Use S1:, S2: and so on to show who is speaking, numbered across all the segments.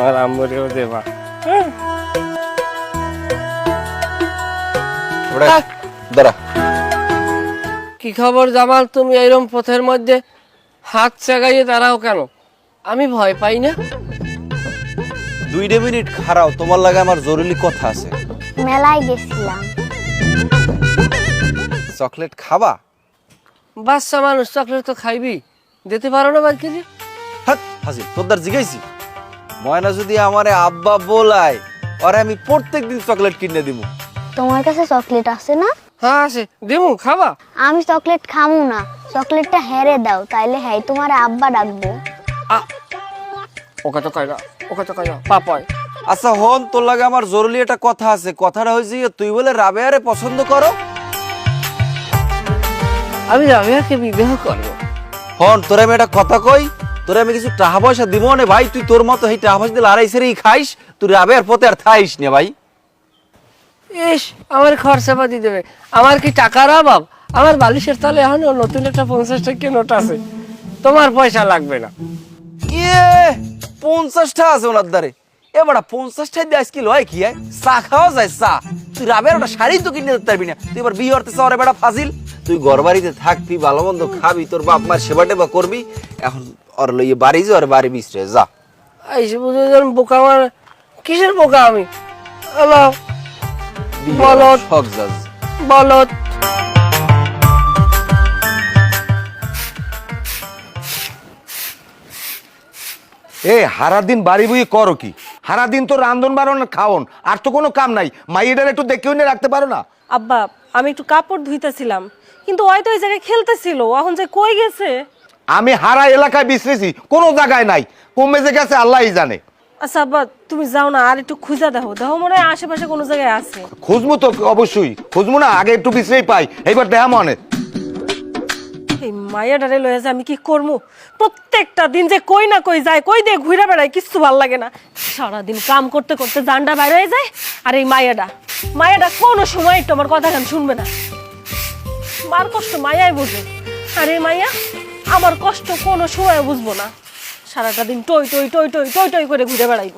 S1: আমার আম্মুরেও দেবা।
S2: দাঁড়া।
S1: কি খবর জামাল, তুমি এইরকম পথের মধ্যে হাত চাগাইয়ে দাঁড়াও কেন? আমি ভয় পাই না।
S2: 2 মিনিট খাড়াও, তোমার লাগে আমার জরুরি কথা আছে।
S3: মেলায় গেছিলাম।
S2: চকলেট খাবা?
S1: বাচ্চা মানুষ, চকলেট তো খাইবি, দিতে পারো না বাড়ি কেজি?
S2: হাত হাসি তোরদার জিগাইছি। ময়না যদি আমারে আব্বা বলায়, আরে আমি প্রত্যেকদিন চকলেট কিনে দিব।
S3: তোমার কাছে চকলেট আছে না?
S1: হ্যাঁ আছে, দেবো, খাবা?
S3: আমি চকলেট খামু না, চকলেটটা হেরে দাও, তাইলে হ্যাঁ তোমার আব্বা ডাকবো।
S1: ওকে তো কয় না, ওকে তো কয় না, পাপায়।
S2: আচ্ছা হন, তোর লাগে আমার জরুরি একটা কথা আছে। কথাটা হয়েছে তুই বলে রাবেয়ারে পছন্দ করো।
S1: আমি রাবেয়াকে বিবাহ করবো।
S2: হন, তোরে আমি একটা কথা কই, তোরে আমি কিছু টাকা পয়সা দিব না ভাই। তুই তোর মতো এই টাকা পয়সা দিয়ে লড়াই সেরেই খাইস, তুই রাবেয়ার পথে আর থাইস না ভাই।
S1: ইস, আমার খরচা পাতি দেবে, আমার কি টাকার অভাব? আমার বালিশের তলে এখন নতুন একটা 50 টাকা নোট আছে, তোমার পয়সা লাগবে না।
S2: ইয়ে 50টা আছে ওনার দ্বারে। এবারে 50টা দিয়ে আজকে লয় কি হয়? চা খাওয়া যায় চা। তুই রাবের ওটা শাড়ি তো কিনে দিতে পারবি না। তুই এবার বিয়ে করতে চাও রে বেটা ফাজিল। তুই ঘর বাড়িতে থাকবি, ভালো মন্দ খাবি, তোর বাপ মার সেবা টেবা করবি। এখন ওর লইয়ে বাড়ি যা, ওর বাড়ি মিশরে যা।
S1: এই বুঝে বোকা, আমার কিসের বোকা আমি? হ্যালো বলত,
S2: শখ যাস
S1: বলত।
S4: এ হারা দিন বাড়ি বই করো কি? হারা দিন তো রান্ধন বাড়ন খাওন, আর তো কোনো কাম নাই। মাইয়েটার একটু দেখেও নিয়ে রাখতে পারো না?
S5: আব্বা, আমি একটু কাপড় ধুইতেছিলাম, কিন্তু ওই তো ওই জায়গায় খেলতেছিল, এখন যে কই গেছে।
S4: আমি হারা এলাকায় বিশ্রেছি, কোনো জায়গায় নাই। কমে যে গেছে আল্লাহই জানে।
S5: আচ্ছা আব্বা, তুমি যাও না, আর একটু খুঁজা দেখো, দেখো মনে হয় আশেপাশে কোনো জায়গায় আছে।
S4: খুঁজবো তো অবশ্যই, খুঁজবো না? আগে একটু বিশ্রেই পাই, এইবার দেখা মনে।
S5: এই মায়াডারে লয়ে যে আমি কি করবো? প্রত্যেকটা দিন যে কই না কই যায়, কই দিয়ে ঘুরে বেড়ায়, কিচ্ছু ভাল লাগে না। সারাদিন কাম করতে করতে জানটা বাইরে হয়ে যায়। আর এই মায়াডা কোনো সময় একটু আমার কথা গান শুনবে না। মার কষ্ট মায়াই বুঝে, আর এই মাইয়া আমার কষ্ট কোনো সময় বুঝবো না। সারাটা দিন টই টই টই টই টই টই করে ঘুরে বেড়াইবো।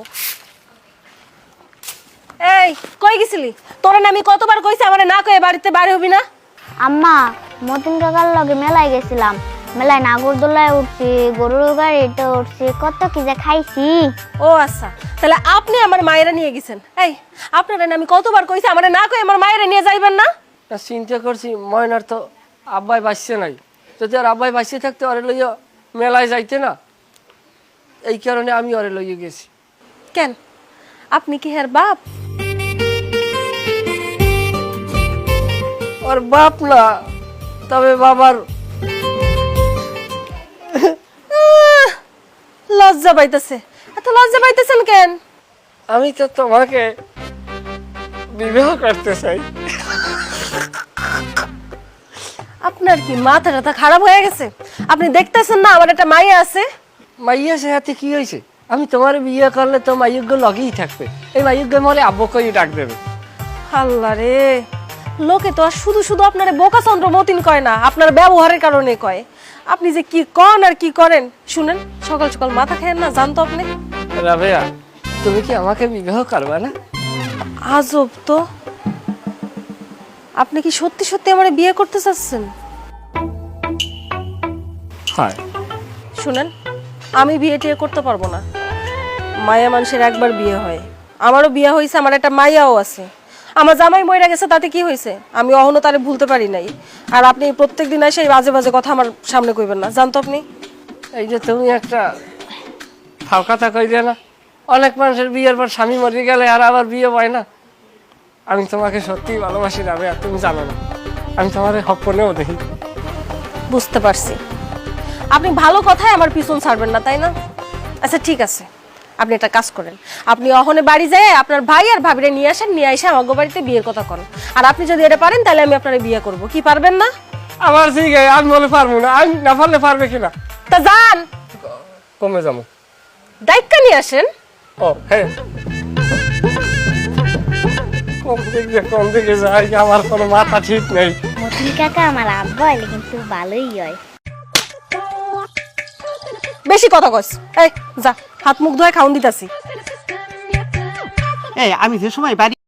S5: এই কই গেছিলি? তোরে না আমি কতবার কইছি আমারে না কয়ে বাড়িতে বাইরে হবি না?
S3: আম্মা, মতিন কাকার লগে মেলায় গেছিলাম। মেলায় নাগরদোলায় উঠছি, গরুর গাড়িতে উঠছি, কত কি যে খাইছি।
S5: ও আচ্ছা, তাহলে আপনি আমার মায়েরা নিয়ে গেছেন। এই আপনারা না আমি কতবার কইছি আমারে না কই আমার মায়েরা নিয়ে যাইবেন না?
S1: চিন্তা করছি, ময়নার তো আব্বাই বাঁচছে নাই, যদি আর আব্বাই বাঁচিয়ে থাকতে ওরে লইয়া মেলায় যাইতে না, এই কারণে আমি ওরে লইয়ে গেছি।
S5: কেন, আপনি কি হের বাপ?
S1: ওর বাপ না, তবে বাবার।
S5: লজ্জা পাইতেছে। এত লজ্জা পাইতেছেন কেন?
S1: আমি তো তোমাকে বিবাহ করতে চাই।
S5: আপনার কি মাথা টাথা খারাপ হয়ে গেছে? আপনি দেখতেছেন না আমার একটা মাইয়া আছে?
S1: মাইয়া সে হাতে কি হয়েছে? আমি তোমার বিয়ে করলে তো মাইয়জ্ঞ লগেই থাকবে, এই মাইয়জ্ঞ মরে আব্বকেই ডাক দেবে।
S5: আল্লাহ রে, লোকে তো আর শুধু শুধু আপনার বোকা চন্দ্র মতিন কয় না, আপনার ব্যবহারের কারণে কয়। আপনি যে কি কন আর কি করেন শুনেন, সকাল সকাল মাথা খায়েন না, জানতো আপনি?
S1: রাবেয়া, তুমি কি আমাকে বিবাহ করবে না?
S5: আজব তো, আপনি কি সত্যি সত্যি আমার বিয়ে করতে চাচ্ছেন?
S1: হ্যাঁ।
S5: শুনেন, আমি বিয়ে টিয়ে করতে পারবো না। মায়া মানুষের একবার বিয়ে হয়, আমারও বিয়ে হয়েছে, আমার একটা মাইয়াও আছে। আমার জামাই মইরা গেছে, তাতে কি হয়েছে? আমি অহনো তারে ভুলতে পারি নাই। আর আপনি প্রত্যেকদিন এসে এই বাজে বাজে কথা আমার সামনে কইবেন না, জানতো আপনি?
S1: এই যে তুমি একটা ফাও কথা কইলে না, অনেক মানুষের বিয়ের পর স্বামী মরে গেলে আর আবার বিয়ে হয় না। আমি তোমাকে সত্যিই ভালোবাসি রাবেয়া, তুমি জানো না, আমি তোমার স্বপ্নেও দেখি।
S5: বুঝতে পারছি, আপনি ভালো কথায় আমার পিছন ছাড়বেন না, তাই না? আচ্ছা ঠিক আছে, আপনি একটা কাজ করেন, আপনি অহনে বাড়ি যায় আপনার ভাই আর ভাবিরে নিয়ে আসেন, নিয়ে এসে আমার বাড়িতে বিয়ের কথা করেন। আর আপনি যদি এটা পারেন তাহলে আমি আপনার বিয়ে করব। কি পারবেন না?
S1: আমার ঠিক আছে, আমি বলে পারবো না, আমি না পারলে পারবে কিনা।
S5: তা যান,
S1: কমে যাবো।
S5: দায়িত্ব নিয়ে আসেন।
S1: ও হ্যাঁ, কোন দিকে যাই আমার কোনো মাথা ঠিক নেই।
S3: মতিন কাকা আমার আব্বা হইলে কিন্তু ভালোই হয়।
S5: বেশি কথা কইস, এই যা হাত মুখ ধুয়ে খাওন দিতাছি।
S6: এই আমি যে সময় বাড়ি